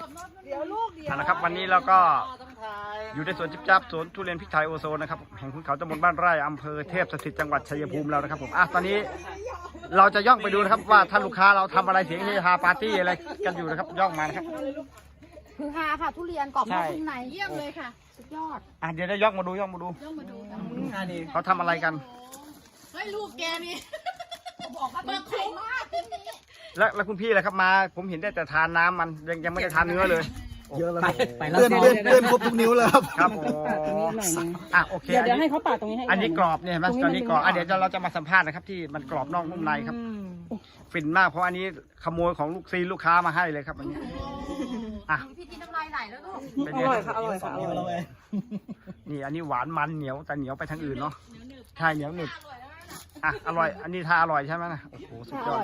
ท่านนะครับวันนี้เราก็อยู่ในสวนจิ๊บจับสวนทุเรียนพริกไทยโอโซนนะครับแห่งขุนเขาตำบลบ้านไร่อำเภอเทพสถิตจังหวัดชัยภูมิแล้วนะครับผมตอนนี้เราจะย่องไปดูนะครับว่าท่านลูกค้าเราทำอะไรเสียงเฮฮาปาร์ตี้อะไรกันอยู่นะครับย่องมานะครับคือฮาค่ะทุเรียนกรอบนอกนุ่มในเยี่ยมเลยค่ะสุดยอดเดี๋ยวได้ย่องมาดูเขาทำอะไรกันเฮ้ยลูกแกนี่บอกว่าเป็นไข่มากที่นี้แล้วคุณพี่อะไรครับมาผมเห็นได้แต่ทานน้ำมันยังไม่ได้ทานเนื้อเลยเยอะแล้วเลื่อนครบทุกนิ้วแล้วครับโอเคเดี๋ยวให้เขาปาดตรงนี้ให้อันนี้กรอบเนี่ยเห็นไหมตอนนี้กรอบเดี๋ยวเราจะมาสัมภาษณ์นะครับที่มันกรอบนอกนุ่มในครับฟินมากเพราะอันนี้ขโมยของลูกค้ามาให้เลยครับอันนี้พี่กินน้ำลายไหลแล้วลูกอร่อยค่ะอร่อยค่ะนี่อันนี้หวานมันเหนียวแต่เหนียวไปทางอื่นเนาะใช่เหนียวหนึบอร่อยอันนี้ทาอร่อยใช่ไหมนะโอ้โหสุดยอด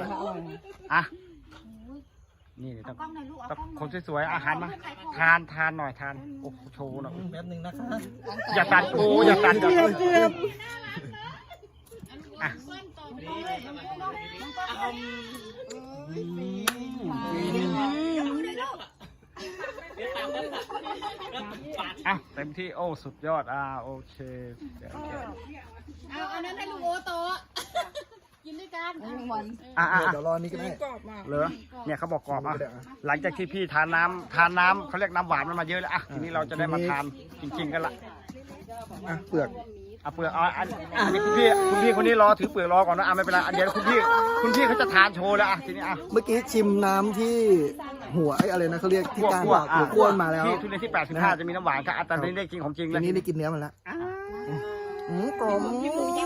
นี่ต้องคนสวยๆอาหารมาทานหน่อยทานโอ้โชว์หน่อยแป๊บนึงนะคะอย่าตัดกูอย่าตัดเกือบเต็มที่โอ้สุดยอดโอเคเอาอันนั้นให้ลุงโอโตกินด้วยกันเดี๋ยวรอนี้ก็ได้เหรอเนี่ยเขาบอกกรอบหลังจากที่พี่ทานน้ำเขาเรียกน้ำหวานมันมาเยอะแล้วทีนี้เราจะได้มาทานจริงๆกันละเปลือกอันนี้คุณพี่คนนี้รอถือเปลือกรอก่อนนะไม่เป็นไรเดี๋ยวคุณพี่เขาจะทานโชว์แล้วทีนี้เมื่อกี้ชิมน้ำที่หัวอะไรนะเขาเรียกที่กลางหัวก้วนมาแล้วที่ทุเรียนที่85จะมีน้ำหวานครับแต่นี้ได้กินของจริงแล้วนี้ได้กินเนื้อมันแล้วกลมโอ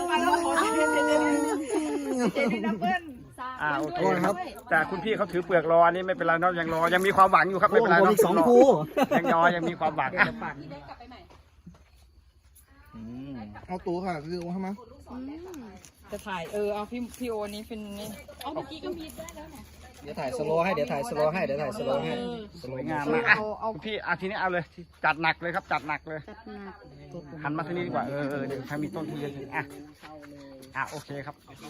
เคครับแต่คุณพี่เขาถือเปลือกรออันนี้ไม่เป็นไรเนาะยังรอยังมีความหวังอยู่ครับไม่เป็นไรอีก2 คู่ยังมีความหวังเอาตัวค่ะคือว่าไหมจะถ่ายเอาพี่โอนี้เป็นนี่เอาเมื่อกี้ก็มีได้แล้วเนี่ยเดี๋ยวถ่ายสโลว์ให้สวยงามมากคุณพี่ทีนี้เอาเลยจัดหนักเลยครับจัดหนักเลยหันมาทางนี้ดีกว่าเดี๋ยวถ้ามีต้นทุเรียนโอเคครับ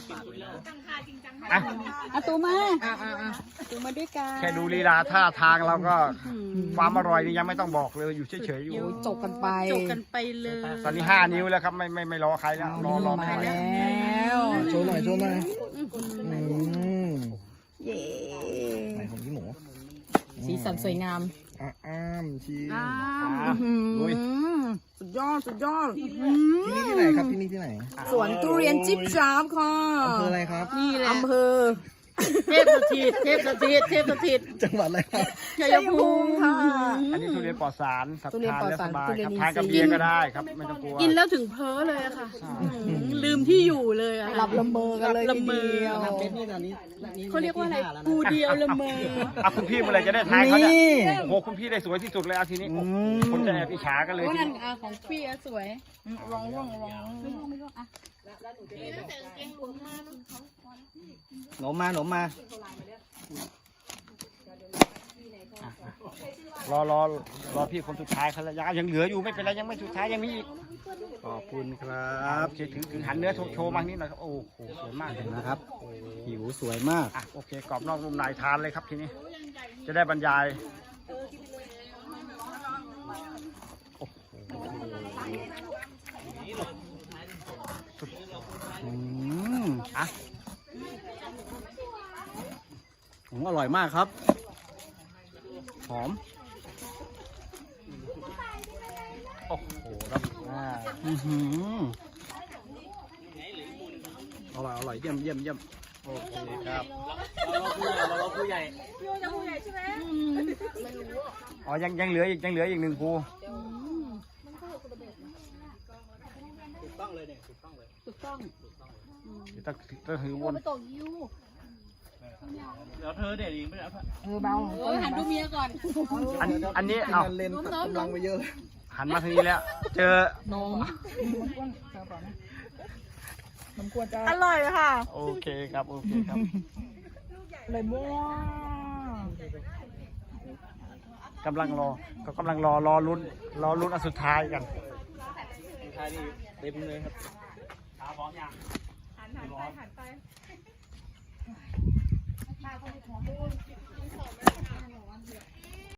ตัวมาตัวมาด้วยกันแค่ดูลีลาท่าทางเราก็ความอร่อยนี่ยังไม่ต้องบอกเลยอยู่เฉยๆอยู่จบกันไปเลยตอนนี้5 นิ้วแล้วครับไม่รอใครแล้วรอไม่ไหวแล้วโชว์หน่อยเย้ไหนของพี่หมูสีสันสวยงามชีสุดยอดที่นี่ที่ไหนครับที่นี่ที่ไหนสวนทุเรียนจิ๊บจ๊าบค่ะอำเภออะไรครับนี่แหละอำเภอเทพสถิตจังหวัดอะไรครับชัยภูมิค่ะอันนี้ทุเรียนปลอดสารทานแล้วสบายครับทานกับเบียร์ก็ได้ครับไม่ต้องกลัวกินแล้วถึงเพ้อเลยค่ะลืมที่อยู่เลยหลับละเมอกันเลยทีเดียวเขาเรียกว่าอะไรกูเดียวละเมอคุณพี่เมื่อไรจะได้ทานเขาเนี่ยโอ้โหคุณพี่ได้สวยที่สุดเลยทีนี้คนจะแอบอิจฉากันเลยทีนี้ของพี่สวยลองหนมมารอพี่คนสุดท้ายเขาแล้วยังเหลืออยู่ไม่เป็นไรยังไม่สุดท้ายยังมีอีกขอบคุณครับถึงหันเนื้อโชว์มานิดหน่อยครับโอ้โหสวยมากเลยนะครับผิวสวยมากโอเคกรอบนอกนุ่มในทานเลยครับทีนี้จะได้บรรยายอร่อยมากครับหอมโอ้โหครับอร่อยเยี่ยมโอเคครับเราผู้ใหญ่ใช่ไหมยังเหลืออีก1 ภูถูกต้องเลยเนี่ยถูกต้องต้องถือวนเดี๋ยวเธอเด็ดอีกไม่ได้เบาหันดูเมียก่อนอันนี้เลนตัดกำลังไปเยอะเลยหันมาทางนี้แล้วเจออร่อยค่ะโอเคครับเลยมั่วกำลังรอลุ้นอันสุดท้ายกันสุดท้ายนี่เต็มเลยครับพร้อมยังหันไป